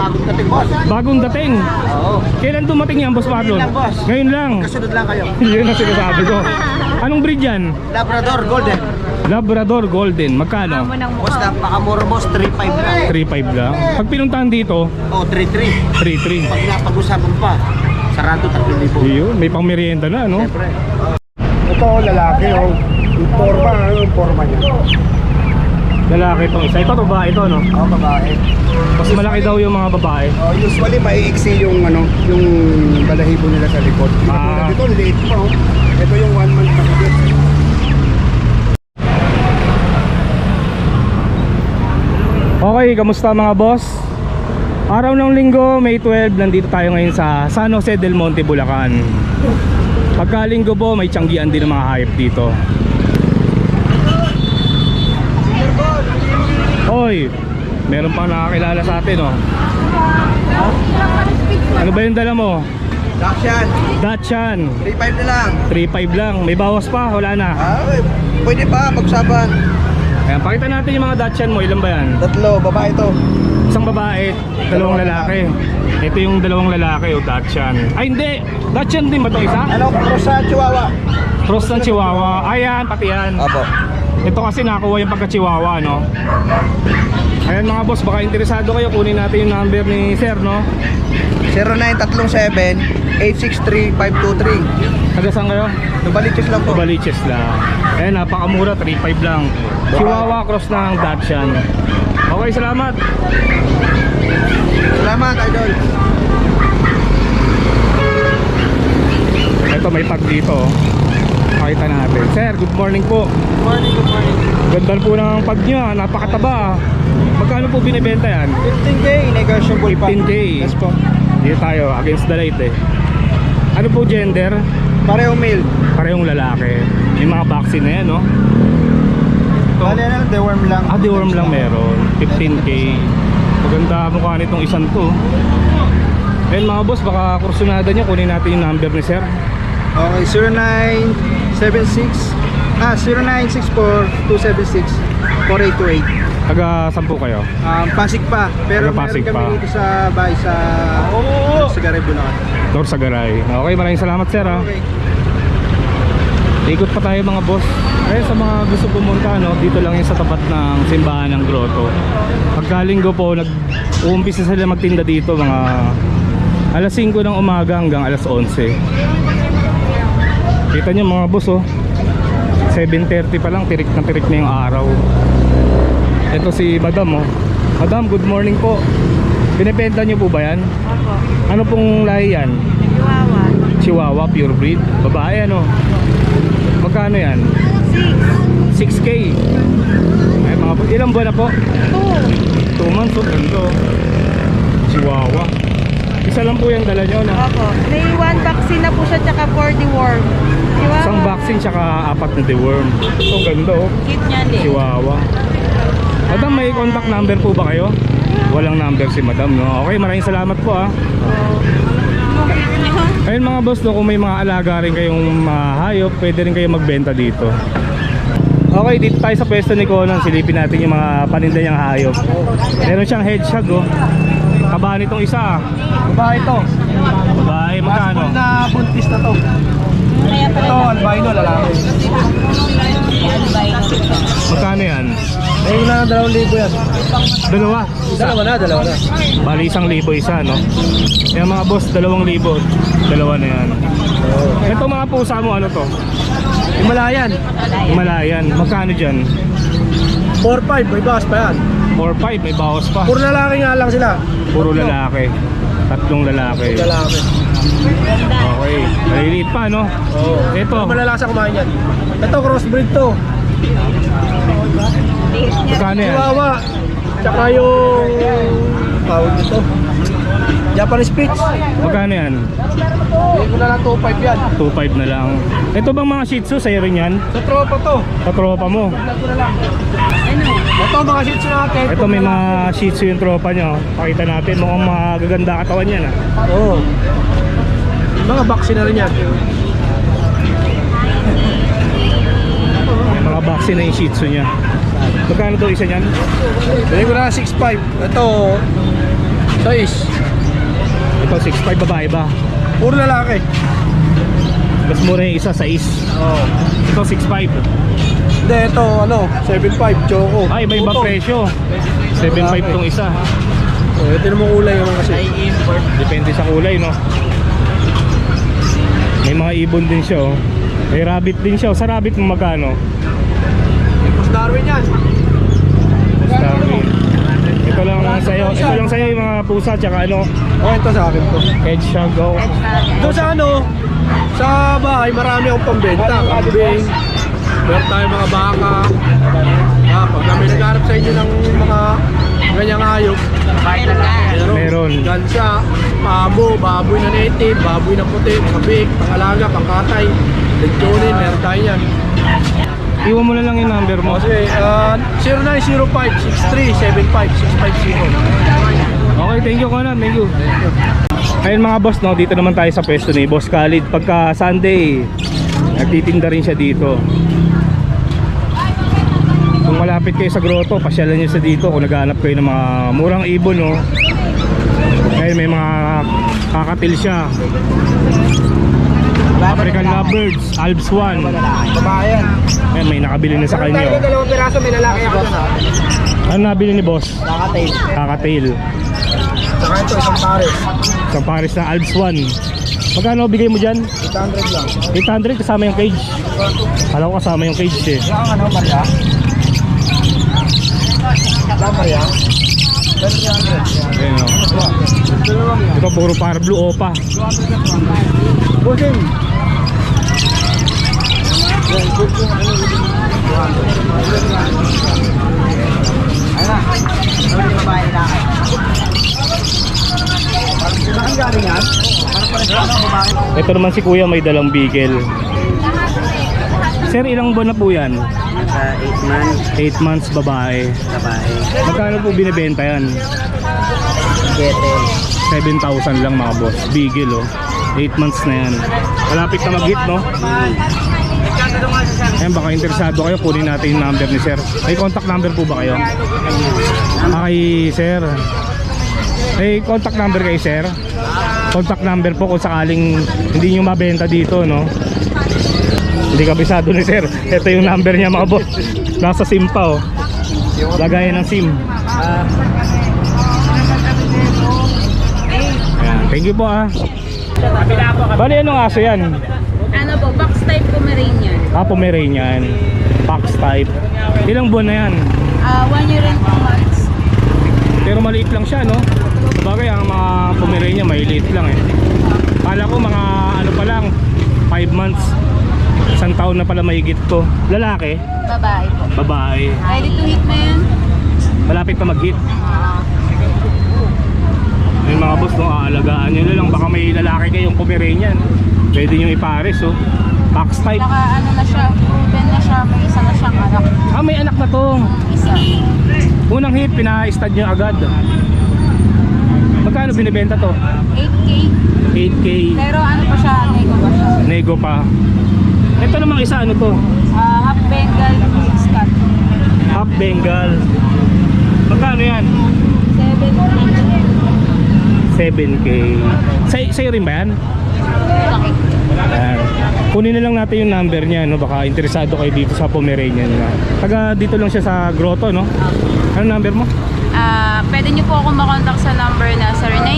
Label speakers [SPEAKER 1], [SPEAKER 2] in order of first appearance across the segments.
[SPEAKER 1] bagong dating, boss.
[SPEAKER 2] Bagong dating.
[SPEAKER 1] Oo.
[SPEAKER 2] Kailan dumating yan, Boss Marlon?
[SPEAKER 1] Ngayon lang, boss.
[SPEAKER 2] Ngayon lang.
[SPEAKER 1] Kasunod lang kayo.
[SPEAKER 2] Yun ang sinasabi ko. Anong breed yan?
[SPEAKER 1] Labrador Golden.
[SPEAKER 2] Labrador Golden. Magkano?
[SPEAKER 1] Boss, napakamura, boss. 3.5 lang.
[SPEAKER 2] 3.5 lang. Pag pinuntahan dito,
[SPEAKER 1] Oh, 3.3.
[SPEAKER 2] 3.3.
[SPEAKER 1] Pag napag-usapan pa, sarado 3,000.
[SPEAKER 2] Yun, may pang merienda na, no?
[SPEAKER 1] Siyempre.
[SPEAKER 3] Ito, lalaki, oh. Yung forma, ano yung forma niya?
[SPEAKER 2] Lalaki itong isa. Ito, babae ito, no?
[SPEAKER 3] Oh, babae.
[SPEAKER 2] Mas malaki daw yung mga babae.
[SPEAKER 3] Oh, usually maiiksi yung ano, yung balahibo nila sa likod.
[SPEAKER 2] Ah.
[SPEAKER 3] Ito, late pa, oh. Ito yung 1 month na kagad.
[SPEAKER 2] Okay, kamusta mga boss? Araw ng linggo, May 12, nandito tayo ngayon sa San Jose del Monte, Bulacan. Pagkalinggo po, may tiyanggian din ng mga hayop dito. Hoy, meron pang nakakilala sa atin, oh. Ano ba yung dala mo?
[SPEAKER 1] Dakshan,
[SPEAKER 2] Dachshund.
[SPEAKER 1] 3.5 na lang.
[SPEAKER 2] 3.5 lang. May bawas pa, wala na.
[SPEAKER 1] Pwede pa, pag-usapan.
[SPEAKER 2] Ayan, pakita natin yung mga Dachshund mo. Ilan ba yan?
[SPEAKER 1] 3, babae to.
[SPEAKER 2] Isang babae, dalawang lalaki. Ito yung dalawang lalaki, o Dachshund. Ay hindi, Dachshund din ba ito isa?
[SPEAKER 1] Ano, cross sa Chihuahua.
[SPEAKER 2] Cross ng Chihuahua. Ayan, pati yan.
[SPEAKER 1] Apo.
[SPEAKER 2] Ito kasi nakuha yung pagka-Chihuahua, no? Ayan mga boss, baka interesado kayo, kunin natin yung number ni Sir, no?
[SPEAKER 1] 0937-863-523.
[SPEAKER 2] Taga saan kayo?
[SPEAKER 1] Nabaliches lang po.
[SPEAKER 2] Baliches lang. Ayan, napakamura, 3.5 lang. Chihuahua cross ng Dachshund. Okay, salamat.
[SPEAKER 1] Salamat, idol.
[SPEAKER 2] Ito, may tag dito. Pakita natin. Sir, good morning po.
[SPEAKER 1] Good morning, good morning.
[SPEAKER 2] Ganda po ng pag nyo, napakataba. Magkano po binibenta yan?
[SPEAKER 1] 15K, negotiable pa.
[SPEAKER 2] 15K.
[SPEAKER 1] Yes po.
[SPEAKER 2] Dito tayo, against the light, eh. Ano po gender?
[SPEAKER 1] Pareho male.
[SPEAKER 2] Parehong lalaki. May mga vaccine na yan, no? Ito.
[SPEAKER 1] Bale na, deworm lang.
[SPEAKER 2] Ah, deworm lang meron. 15K. Maganda mukha nitong isang to. Ayun mga boss, baka kursunada nyo, kunin natin yung number ni Sir.
[SPEAKER 1] Okay, 0964-276-4828.
[SPEAKER 2] Taga saan po kayo?
[SPEAKER 1] Pasig pa. Pero
[SPEAKER 2] Taga Pasig
[SPEAKER 1] meron kami
[SPEAKER 2] pa.
[SPEAKER 1] dito sa bahay sa Sigaray, Bulacan.
[SPEAKER 2] Dor Sagaray. Okay, maraming salamat Sir, ha.
[SPEAKER 1] Okay.
[SPEAKER 2] Ikot pa tayo mga boss. Ayun, sa mga gusto pumunta, no, dito lang yung sa tapat ng simbahan ng Grotto. Pagkalinggo po, nag-uumpisa sila magtinda dito mga alas 5 ng umaga hanggang alas 11. Kita nyo mga boss, oh, 7:30 pa lang, tirik na yung araw. Ito si Madam, oh. Madam, good morning po. Binibenta nyo po ba yan?
[SPEAKER 4] Opo.
[SPEAKER 2] Ano pong lahi yan?
[SPEAKER 4] Chihuahua.
[SPEAKER 2] Chihuahua, pure breed. Babae, ano? Magkano yan? 6K. Ay, mga po. Ilang buwan na po? 2 months, oh. Ganito. Chihuahua. Isa lang po yung dala nyo, no?
[SPEAKER 4] Opo. May 1 vaccine na po siya tsaka 4 deworm. Chihuahua.
[SPEAKER 2] Isang vaccine tsaka 4 na deworm. So, ganda, oh.
[SPEAKER 4] Cute niya din.
[SPEAKER 2] Chihuahua. Madam, may contact number po ba kayo? Walang number si Madam, no? Okay, maraming salamat po, ah. Ayun mga boss, no, kung may mga alaga rin kayong hayop, pwede rin kayo magbenta dito. Okay, dito tayo sa pwesto ni Conan. Silipin natin yung mga paninda niyang hayop. Meron siyang hedgehog, oh. Kaba nitong isa.
[SPEAKER 1] Babae to.
[SPEAKER 2] Babae, magkano?
[SPEAKER 1] Na buntis na to. Ito, albino, lalaki.
[SPEAKER 2] Magkano yan?
[SPEAKER 1] Ayun na, 2,000 yan.
[SPEAKER 2] Dalawa.
[SPEAKER 1] Dalawa na.
[SPEAKER 2] Bali 1,000 isa, no? Yung mga boss, 2,000. Dalawa na yan. Ito mga pusa mo, ano to?
[SPEAKER 1] Himalayan.
[SPEAKER 2] Himalayan. Magkano dyan?
[SPEAKER 1] 4,500, may bawas pa yan.
[SPEAKER 2] 4,500, may bawas pa.
[SPEAKER 1] Puro lalaki nga lang sila.
[SPEAKER 2] Puro lalaki. 3 lalaki.
[SPEAKER 1] Lalaki.
[SPEAKER 2] Okay. Maliliit pa, no?
[SPEAKER 1] Oo.
[SPEAKER 2] Ito.
[SPEAKER 1] Malalasa kumain yan. Ito, crossbreed to.
[SPEAKER 2] Magkano yan?
[SPEAKER 1] Chihuahua. Tsaka yung tawag nito, Japanese Spitz.
[SPEAKER 2] Magkano yan?
[SPEAKER 1] Hindi ko na lang 2,500 yan.
[SPEAKER 2] 2,500 na lang. Ito bang mga Shih Tzu, sa'yo rin yan?
[SPEAKER 1] Sa tropa to.
[SPEAKER 2] Sa tropa mo.
[SPEAKER 1] Ito ko na lang. Ito mga Shih Tzu natin.
[SPEAKER 2] Ito may mga Shih Tzu yung tropa nyo. Pakita natin, mukhang magaganda katawan yan, ah.
[SPEAKER 1] Oo. Mga vaccine na rin yan.
[SPEAKER 2] May mga vaccine na yung Shih Tzu nya. Magkano daw isa niyan?
[SPEAKER 1] Bili ko na 6,500. Ito,
[SPEAKER 3] Size.
[SPEAKER 2] Ito 6'5", babae ba?
[SPEAKER 3] Puro lalaki.
[SPEAKER 2] Mas mura yung isa, 6.
[SPEAKER 3] Oo.
[SPEAKER 2] Ito 6'5".
[SPEAKER 3] Hindi, ito 7.5 choco.
[SPEAKER 2] Ay, iba-iba
[SPEAKER 3] Tuto.
[SPEAKER 2] presyo. 7'5" tong isa.
[SPEAKER 3] Oh, ito naman kulay naman kasi.
[SPEAKER 2] Depende sa kulay, no? May mga ibon din siya, oh. May rabbit din siya, oh. Sa rabbit mo magkano?
[SPEAKER 3] Mas Darwin yan.
[SPEAKER 2] Starving. Ito lang sa'yo. Ito lang sa'yo yung mga pusa, tsaka ano,
[SPEAKER 3] Oh, ito sa akin to.
[SPEAKER 2] hedgehog, oh.
[SPEAKER 3] Doon sa sa bahay marami akong pambenta. Kambing. Meron tayong mga baka. Pag kami nagharap sa inyo ng mga ganyang hayop,
[SPEAKER 2] Meron.
[SPEAKER 3] Gansa, pabo, baboy na native, baboy na puti, mga big, pangalaga, pangkatay, lechonine, meron tayo yan.
[SPEAKER 2] Iwan mo na lang yung number mo.
[SPEAKER 3] Kasi 0905-6375-650.
[SPEAKER 2] Okay, thank you, Conan. Thank you. Ayun mga boss, no, dito naman tayo sa pwesto ni Boss Khalid. Pagka Sunday, nagtitinda rin siya dito. Kung malapit kayo sa grotto, pasyalan niyo sa dito. Kung naghahanap kayo ng mga murang ibon, no. Ayun, may mga kakatil siya. African Lovebirds, Alps 1.
[SPEAKER 3] Babayan.
[SPEAKER 2] Ayun, may nakabili na sa kanya.
[SPEAKER 3] Tayo dalawang piraso, may lalaki ako.
[SPEAKER 2] Ano nabili ni Boss?
[SPEAKER 3] Nakatail.
[SPEAKER 2] Kakatail.
[SPEAKER 3] Saka ito, isang pares.
[SPEAKER 2] Isang pares na Alps 1. Magkano bigay mo dyan?
[SPEAKER 3] 800 lang.
[SPEAKER 2] 800 kasama yung cage. Alam ko kasama yung cage eh.
[SPEAKER 3] Saan Maria? Saan Maria? 300.
[SPEAKER 2] Ayun, oh. Ito puro para blue opa.
[SPEAKER 3] Busing. Ayun na. Ano yung babae lalaki? Saan galing yan?
[SPEAKER 2] Ito naman si kuya may dalang bigel. Sir, ilang buwan na po yan?
[SPEAKER 1] Nasa 8 months,
[SPEAKER 2] 8 months babae.
[SPEAKER 1] babae.
[SPEAKER 2] Magkano po binibenta yan?
[SPEAKER 1] Gettle.
[SPEAKER 2] 7,000 lang mga boss. Bigel, oh. 8 months na yan. Malapit na mag-hit, no? Ayan, baka interesado kayo, kunin natin yung number ni sir. May contact number po ba kayo? Kay sir. May contact number kay sir? Contact number po kung sakaling hindi nyo mabenta dito, no? Hindi kabisado ni sir. Ito yung number niya mga boss. Nasa SIM pa, oh. Lagayan ng SIM. Ayan, thank you po, ah. Bali, anong aso yan?
[SPEAKER 4] Ano po, box type Pomeranian.
[SPEAKER 2] Pomeranian. Fox type. Ilang buwan na yan?
[SPEAKER 4] 1 year and 2 months.
[SPEAKER 2] Pero maliit lang siya, no? Sabagay, ang mga Pomeranian maliit lang eh. Kala ko mga ano pa lang, 5 months. 1 taon na pala mahigit to. Lalaki?
[SPEAKER 4] Babae po.
[SPEAKER 2] Babae.
[SPEAKER 4] Ready to hit na yan?
[SPEAKER 2] Malapit na mag-hit. Yung mga boss, no, aalagaan nyo na lang. Baka may lalaki kayong Pomeranian. Pwede nyo ipares, oh. Fox type.
[SPEAKER 4] Saka ano na siya, proven na siya, may isa na siyang anak.
[SPEAKER 2] May anak na to.
[SPEAKER 4] Isa.
[SPEAKER 2] Unang hit, pina-stud nyo agad. Magkano binibenta to?
[SPEAKER 4] 8K.
[SPEAKER 2] 8K.
[SPEAKER 4] Pero ano pa siya, nego pa siya.
[SPEAKER 2] Nego pa. Ito namang isa, ano to?
[SPEAKER 4] Half Bengal, mixed cut.
[SPEAKER 2] Half Bengal. Magkano yan? 7K. Sa'yo rin ba yan?
[SPEAKER 4] Laki.
[SPEAKER 2] Ayan. Kunin na lang natin yung number niya, no? Baka interesado kayo dito sa Pomeranian na. Taga dito lang siya sa grotto, no? Ano number mo?
[SPEAKER 4] Pwede niyo po ako makontak sa number na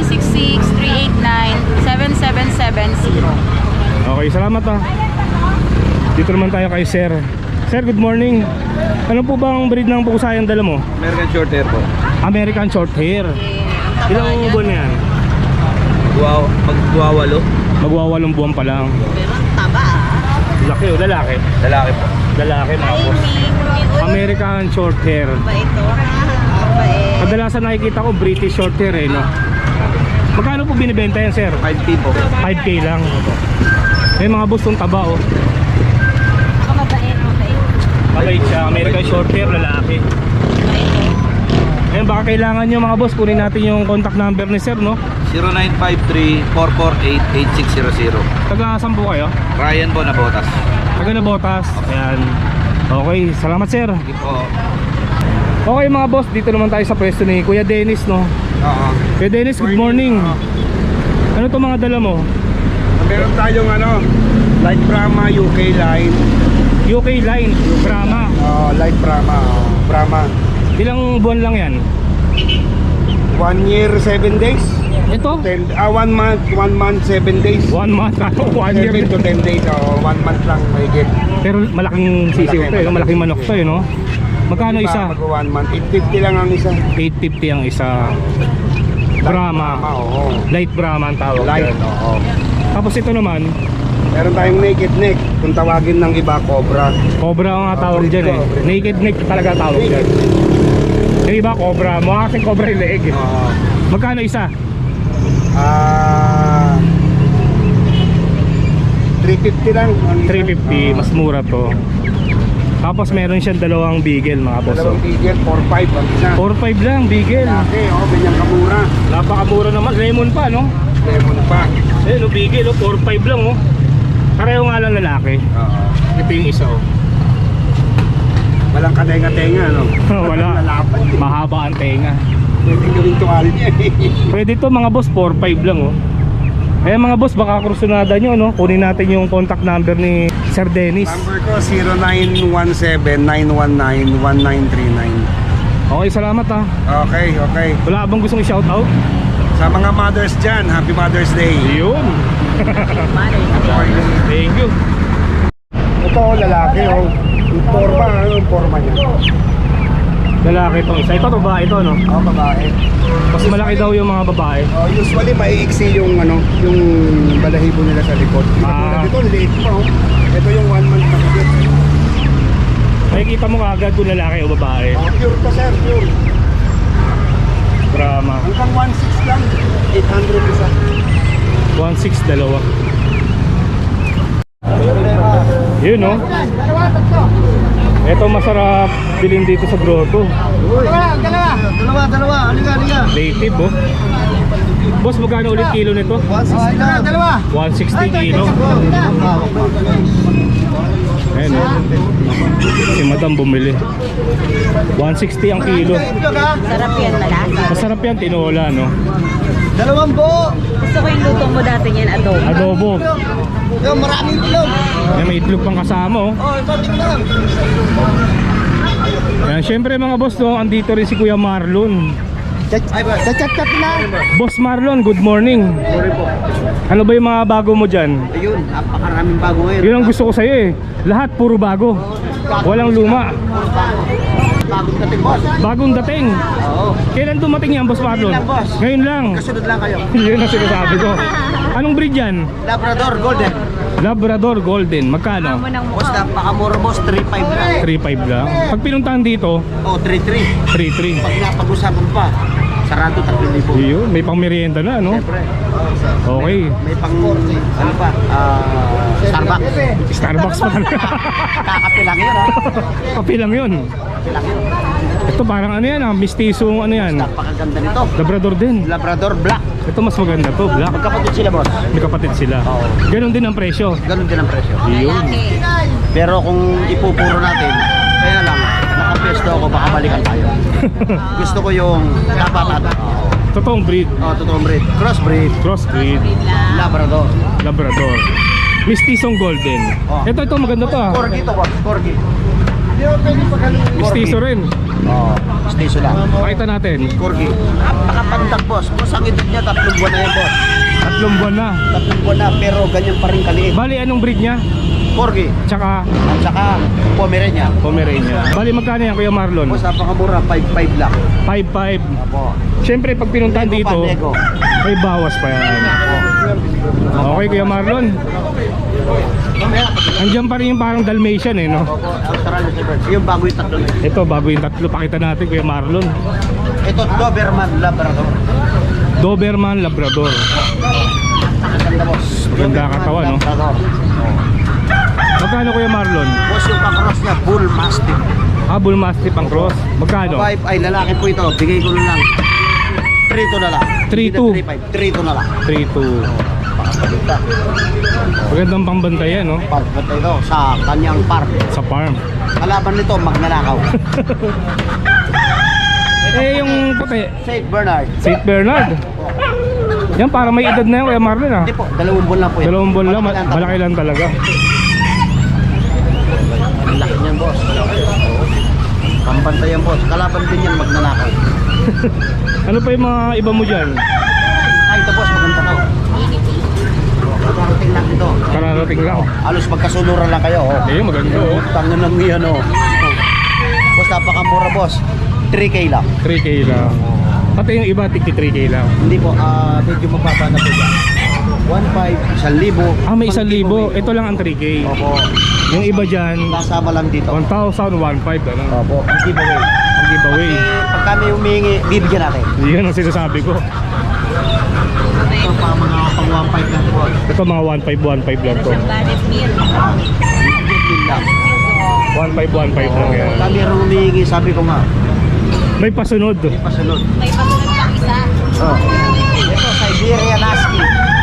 [SPEAKER 4] 0966-389-7770.
[SPEAKER 2] Okay, salamat, ah. Dito naman tayo kay Sir. Sir, good morning. Ano po bang breed ng pusa yung dala mo?
[SPEAKER 3] American short hair po.
[SPEAKER 2] American short hair. Ilang buwan na yan?
[SPEAKER 3] Wow, magwawalo.
[SPEAKER 2] Magwawalong buwan pa lang. Laki o lalaki?
[SPEAKER 3] Lalaki po.
[SPEAKER 2] Lalaki mga boss. American short hair. Kadalasan nakikita ko British short hair eh, no? Magkano po binibenta yan, sir?
[SPEAKER 3] 5K po.
[SPEAKER 2] 5K lang. May mga boss yung taba, oh. Mabait siya. American short hair, lalaki. Ayun, baka kailangan nyo mga boss, kunin natin yung contact number ni sir, no?
[SPEAKER 3] 0953-448-8600.
[SPEAKER 2] Taga saan po kayo?
[SPEAKER 3] Ryan po na botas.
[SPEAKER 2] Taga Nabotas. Ayan. Okay, salamat sir.
[SPEAKER 3] Sige po.
[SPEAKER 2] Okay mga boss, dito naman tayo sa pwesto ni Kuya Dennis, no?
[SPEAKER 3] Oo.
[SPEAKER 2] Kuya Dennis, good morning. Ano to mga dala mo?
[SPEAKER 3] Meron tayong light Brahma UK line.
[SPEAKER 2] UK line, Brahma.
[SPEAKER 3] Light Brahma. Brahma.
[SPEAKER 2] Ilang buwan lang yan?
[SPEAKER 3] 1 year, 7 days.
[SPEAKER 2] Ito?
[SPEAKER 3] 1 month, 7 days.
[SPEAKER 2] 1 month, 1 year.
[SPEAKER 3] 7 to 10 days. 1 month lang mahigit.
[SPEAKER 2] Pero malaking sisiw to, malaking manok to, no? Magkano isa?
[SPEAKER 3] Mag 1 month. 850 lang ang isa.
[SPEAKER 2] 850 ang isa. Brahma.
[SPEAKER 3] Oo.
[SPEAKER 2] Light Brahma ang tawag
[SPEAKER 3] Light.
[SPEAKER 2] dyan.
[SPEAKER 3] Oo.
[SPEAKER 2] Tapos ito naman,
[SPEAKER 3] Meron tayong naked neck. Kung tawagin ng iba, cobra.
[SPEAKER 2] Cobra ang nga tawag dyan eh. Naked neck talaga tawag dyan. Yung iba cobra, mukha kasing cobra yung leeg eh. Magkano isa?
[SPEAKER 3] 350 lang.
[SPEAKER 2] 350, mas mura to. Tapos meron siyang dalawang beagle mga boss.
[SPEAKER 3] Dalawang bigel, 4-5 ang isa.
[SPEAKER 2] 4-5 lang, beagle.
[SPEAKER 3] Laki, ganyan kamura.
[SPEAKER 2] Napakamura naman, lemon pa no?
[SPEAKER 3] Lemon pa.
[SPEAKER 2] Eh no, beagle 4-5 lang oh. Pareho nga lang lalaki.
[SPEAKER 3] Oo.
[SPEAKER 2] Ito yung isa oh.
[SPEAKER 3] Walang katenga-tenga, no?
[SPEAKER 2] Wala.
[SPEAKER 3] Lalapan.
[SPEAKER 2] Mahaba ang tenga.
[SPEAKER 3] Pwede gawing tuwalya.
[SPEAKER 2] Pwede to mga boss, 4-5 lang oh. Eh mga boss, baka krusunada nyo no. Kunin natin yung contact number ni Sir Dennis.
[SPEAKER 3] Number ko 0917-919-1939.
[SPEAKER 2] Okay, salamat ha.
[SPEAKER 3] Okay, okay.
[SPEAKER 2] Wala bang gustong i-shout out?
[SPEAKER 3] Sa mga mothers dyan, Happy Mother's Day.
[SPEAKER 2] Yun. Thank you.
[SPEAKER 3] Ito, lalaki, oh. Yung forma, yung forma niya.
[SPEAKER 2] Lalaki itong isa. Ito babae ito no.
[SPEAKER 3] Babae.
[SPEAKER 2] Mas malaki daw yung mga babae.
[SPEAKER 3] Usually, maiiksi yung, yung balahibo nila sa likod. Ito, liit pa, oh. Ito yung 1 month na kagit.
[SPEAKER 2] Makikita mo kaagad kung lalaki o babae.
[SPEAKER 3] Pure to, sir, pure.
[SPEAKER 2] Brahma.
[SPEAKER 3] Hanggang 1.6 lang. 800 isa.
[SPEAKER 2] 1.6 dalawa. Yun no. Ito masarap bilhin dito sa grotto.
[SPEAKER 3] Dalawa. Halika.
[SPEAKER 2] Native oh. Boss, magkano ulit kilo nito?
[SPEAKER 3] 160 lang.
[SPEAKER 2] 160 kilo. Ayan oh. Si madam bumili. 160 ang kilo.
[SPEAKER 4] Sarap yan, malasa.
[SPEAKER 2] Masarap yan, tinola no.
[SPEAKER 3] Dalawang buo.
[SPEAKER 4] Gusto ko yung luto mo dati yan, adobo.
[SPEAKER 2] Adobo.
[SPEAKER 3] Yung maraming itlog.
[SPEAKER 2] Ayan, may itlog pang kasama oh.
[SPEAKER 3] Ipatik lang.
[SPEAKER 2] Ayan, syempre mga boss no, andito rin si Kuya Marlon.
[SPEAKER 3] Chat na.
[SPEAKER 2] Boss Marlon, good morning.
[SPEAKER 3] Sorry po.
[SPEAKER 2] Ano ba yung mga bago mo dyan?
[SPEAKER 3] Ayun, napakaraming bago ngayon.
[SPEAKER 2] Yun ang gusto ko sa'yo eh. Lahat puro bago. Walang luma.
[SPEAKER 3] Bagong dating, boss.
[SPEAKER 2] Bagong dating.
[SPEAKER 3] Oo.
[SPEAKER 2] Kailan dumating yan, Boss Marlon?
[SPEAKER 3] Ngayon lang, boss.
[SPEAKER 2] Ngayon lang.
[SPEAKER 3] Kasunod lang kayo.
[SPEAKER 2] Yun ang sinasabi ko. Anong breed yan?
[SPEAKER 3] Labrador Golden.
[SPEAKER 2] Labrador Golden. Magkano?
[SPEAKER 4] Amo ng
[SPEAKER 3] Boss,
[SPEAKER 4] mukha.
[SPEAKER 3] napakamura, boss. 3.5 lang.
[SPEAKER 2] 3.5 lang. Pag pinuntahan dito,
[SPEAKER 3] 3.3.
[SPEAKER 2] 3.3.
[SPEAKER 3] Pag napag-usapan pa, sarado 3,000.
[SPEAKER 2] Yun, may pang merienda na, no?
[SPEAKER 3] Siyempre.
[SPEAKER 2] Okay.
[SPEAKER 3] May pang, ano pa, Starbucks.
[SPEAKER 2] Starbucks pa talaga.
[SPEAKER 3] Kakape lang yun, ha?
[SPEAKER 2] Kape lang yun.
[SPEAKER 3] Kape lang yun.
[SPEAKER 2] Ito parang ano yan, mistisong ano yan.
[SPEAKER 3] Napakaganda nito.
[SPEAKER 2] Labrador din.
[SPEAKER 3] Labrador Black.
[SPEAKER 2] Ito mas maganda to, black.
[SPEAKER 3] Magkapatid sila, boss.
[SPEAKER 2] May kapatid sila.
[SPEAKER 3] Oo.
[SPEAKER 2] Ganon din ang presyo.
[SPEAKER 3] Ganun din ang presyo.
[SPEAKER 2] Yun.
[SPEAKER 3] Pero kung ipupuro natin, kaya lang, nakapesto ako, baka balikan tayo. Gusto ko yung dapat
[SPEAKER 2] Totoong breed.
[SPEAKER 3] totoong breed. Crossbreed.
[SPEAKER 2] Crossbreed.
[SPEAKER 3] Labrador.
[SPEAKER 2] Labrador. Mistisong golden.
[SPEAKER 3] Oh.
[SPEAKER 2] Ito maganda to ah.
[SPEAKER 3] Corgi to, boss. Corgi. Hindi mo pwede pagkaling
[SPEAKER 2] Mistiso rin.
[SPEAKER 3] Oo. Mistiso lang.
[SPEAKER 2] Pakita natin.
[SPEAKER 3] Corgi. Napakapandag, boss. Boss, ang edad niya, 3 buwan na yan, boss.
[SPEAKER 2] 3 buwan na.
[SPEAKER 3] 3 buwan na, pero ganyan pa rin kaliit.
[SPEAKER 2] Bali anong breed niya?
[SPEAKER 3] Corgi.
[SPEAKER 2] Tsaka
[SPEAKER 3] At saka, Pomerania.
[SPEAKER 2] Pomerania. Bali magkano yan Kuya Marlon?
[SPEAKER 3] Boss, napakamura, 5.5 lang.
[SPEAKER 2] 5.5.
[SPEAKER 3] Apo.
[SPEAKER 2] Siyempre pag pinuntahan
[SPEAKER 3] Nego pa,
[SPEAKER 2] dito,
[SPEAKER 3] nego.
[SPEAKER 2] may bawas pa yan. Okay Kuya Marlon. Andiyan pa rin yung parang Dalmatian eh no?
[SPEAKER 3] Australian Shepherd. Yung bago yung tatlo.
[SPEAKER 2] Ito bago yung tatlo. Pakita natin Kuya Marlon.
[SPEAKER 3] Ito, Doberman Labrador.
[SPEAKER 2] Doberman Labrador.
[SPEAKER 3] Maganda, boss.
[SPEAKER 2] Maganda
[SPEAKER 3] Doberman
[SPEAKER 2] katawan, no?
[SPEAKER 3] Labrador.
[SPEAKER 2] Magkano Kuya Marlon?
[SPEAKER 3] Boss, yung kakross niya, Bull Mastiff.
[SPEAKER 2] Bull Mastiff ang cross. Magkano?
[SPEAKER 3] 5 ay lalaki po ito. Bigay ko na lang. 3-2 na lang.
[SPEAKER 2] 3-2.
[SPEAKER 3] 3-2 na lang.
[SPEAKER 2] 3-2.
[SPEAKER 3] Pakapagita.
[SPEAKER 2] Magandang pambantayan no?
[SPEAKER 3] Pagpunta ito sa kanyang park.
[SPEAKER 2] Sa farm.
[SPEAKER 3] Kalaban nito, magnanakaw.
[SPEAKER 2] Eh, yung puti,
[SPEAKER 1] St. Bernard.
[SPEAKER 2] St. Bernard. Yan, para may edad na yan, Kuya Marlon ah.
[SPEAKER 1] Hindi po, 2 buwan lang po yan.
[SPEAKER 2] 2 buwan lang, malaki lang talaga.
[SPEAKER 1] Ang laki niyan, boss. Pampantay yan, boss. Kalaban din yan magnanakaw.
[SPEAKER 2] Ano pa yung mga iba mo dyan?
[SPEAKER 1] Ay, ito, boss. Maganda to. Magkarating lang ito.
[SPEAKER 2] Kararating lang.
[SPEAKER 1] Halos magkasuluran lang kayo. Oh.
[SPEAKER 2] Eh, maganda oh.
[SPEAKER 1] Tangan lang yan, oh. Boss, napakamura, boss. 3K lang.
[SPEAKER 2] 3K lang. Pati yung iba, tigti 3K lang.
[SPEAKER 1] Hindi po, medyo mababa na po yan. 1,500, 1,000.
[SPEAKER 2] Ah, may 1,000. Ito lang ang 3K.
[SPEAKER 1] Opo.
[SPEAKER 2] Yung iba dyan,
[SPEAKER 1] Nasama lang dito.
[SPEAKER 2] 1,000, 1,500, ano?
[SPEAKER 1] Opo, ang giveaway.
[SPEAKER 2] Ang giveaway.
[SPEAKER 1] Pag kami humingi, bibigyan natin.
[SPEAKER 2] Yan ang sinasabi ko.
[SPEAKER 1] Ito pa mga pang 1,500 lang po.
[SPEAKER 2] Ito mga 1,500 lang to.
[SPEAKER 1] Bibigyan din lang.
[SPEAKER 2] 1,500 lang yan.
[SPEAKER 1] Kami rin humingi, sabi ko nga,
[SPEAKER 2] May pasunod.
[SPEAKER 1] pasunod.
[SPEAKER 4] May pasunod pang isa.
[SPEAKER 1] Oh. Ito, Siberian Husky.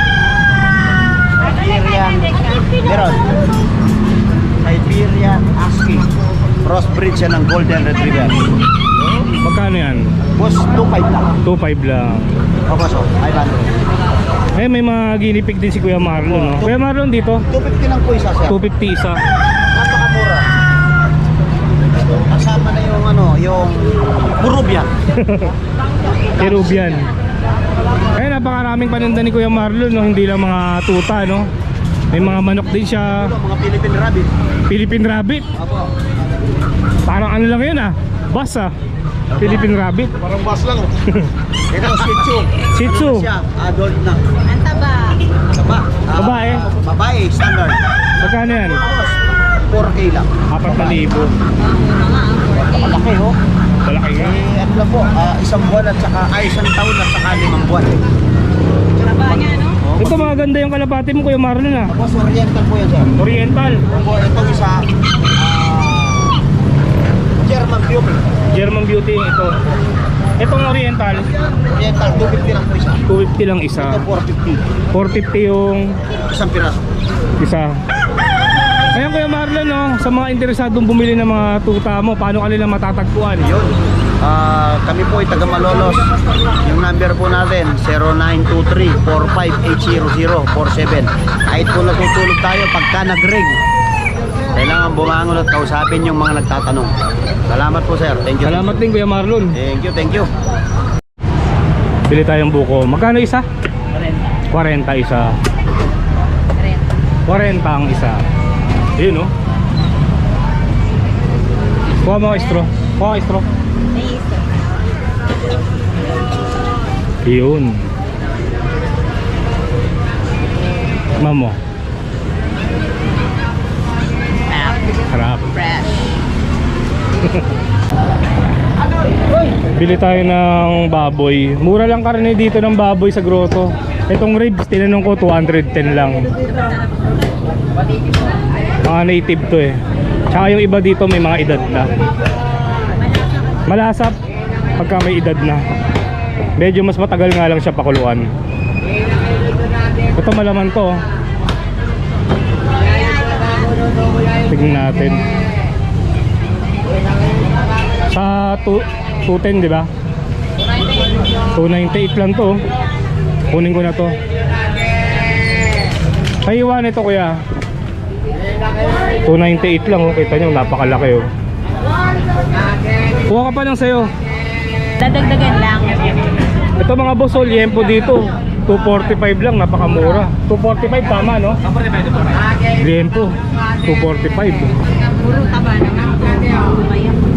[SPEAKER 1] Siberian, meron. Siberian Husky. Crossbreed siya ng Golden Retriever.
[SPEAKER 2] Magkano yan?
[SPEAKER 1] Boss, 2,500 lang.
[SPEAKER 2] 2,500 lang.
[SPEAKER 1] O, boss, 500.
[SPEAKER 2] Eh, may mga ginipig din si Kuya Marlon, no? Kuya Marlon dito,
[SPEAKER 1] 250 lang po isa, sir.
[SPEAKER 2] 250 isa.
[SPEAKER 1] Napakamura. Kasama na yung ano, yung Peruvian.
[SPEAKER 2] Peruvian. Eh, napakaraming paninda ni Kuya Marlon, no? Hindi lang mga tuta, no? May mga manok din siya.
[SPEAKER 1] Ito, mga Philippine Rabbit.
[SPEAKER 2] Philippine Rabbit.
[SPEAKER 1] Apo.
[SPEAKER 2] Parang ano lang yun ah. Bass ah. Philippine Rabbit.
[SPEAKER 3] Parang bus lang oh.
[SPEAKER 1] Ito, Shih Tzu.
[SPEAKER 2] Shih Tzu.
[SPEAKER 1] Ano na siya? Adult na.
[SPEAKER 4] Ang taba.
[SPEAKER 1] Taba.
[SPEAKER 2] Babae.
[SPEAKER 1] Babae, standard.
[SPEAKER 2] Magkano yan?
[SPEAKER 1] 4K lang.
[SPEAKER 2] 4,000.
[SPEAKER 1] Malaki, oh.
[SPEAKER 2] Malaki nga.
[SPEAKER 1] Eh, ano lang po, isang buwan at saka, isang taon at saka 5 buwan.
[SPEAKER 4] Taba niya, no?
[SPEAKER 2] Ito maganda yung kalapati mo Kuya Marlon ah.
[SPEAKER 1] Tapos oriental po yan, sir.
[SPEAKER 2] Oriental.
[SPEAKER 1] Opo, itong isa, German Beauty.
[SPEAKER 2] German Beauty ito. Itong Oriental,
[SPEAKER 1] Oriental, 250 lang po isa.
[SPEAKER 2] 250 lang isa.
[SPEAKER 1] Ito, 450.
[SPEAKER 2] 450 yung
[SPEAKER 1] Isang piraso.
[SPEAKER 2] isa. Ayan Kuya Marlon, no? Sa mga interesadong bumili ng mga tuta mo, paano kanila matatagpuan?
[SPEAKER 1] Yun. Kami po ay taga Malolos. Yung number po natin 0923-4580047. Kahit po natutulog tayo pagka nag-ring, kailangan bumangon at kausapin yung mga nagtatanong. Salamat po, sir. Thank you.
[SPEAKER 2] Salamat din Kuya Marlon.
[SPEAKER 1] Thank you, thank you.
[SPEAKER 2] Bili tayong buko. Magkano isa? 40 isa. 40 ang isa. Ayun, no? Kuha mo ka straw. Kuha ka straw. Yun. Mamo. Harap.
[SPEAKER 4] Fresh.
[SPEAKER 2] Bili tayo ng baboy. Mura lang karne dito ng baboy sa grotto. Itong ribs, tinanong ko 210 lang. Mga native to eh. Tsaka yung iba dito may mga edad na. Malasap pagka may edad na. Medyo mas matagal nga lang siya pakuluan. Ito malaman to. Tignan natin. Sa 210 di ba? 298 lang to. Kunin ko na to. Kaiwan ito kuya. 298 lang oh. Kita nyo napakalaki oh. Kuha ka pa lang sa'yo.
[SPEAKER 4] Dadagdagan lang.
[SPEAKER 2] Ito mga boss oh, liempo dito 245 lang, napakamura. 245 tama no? Liempo 245.
[SPEAKER 4] Puro taba naman. Maya.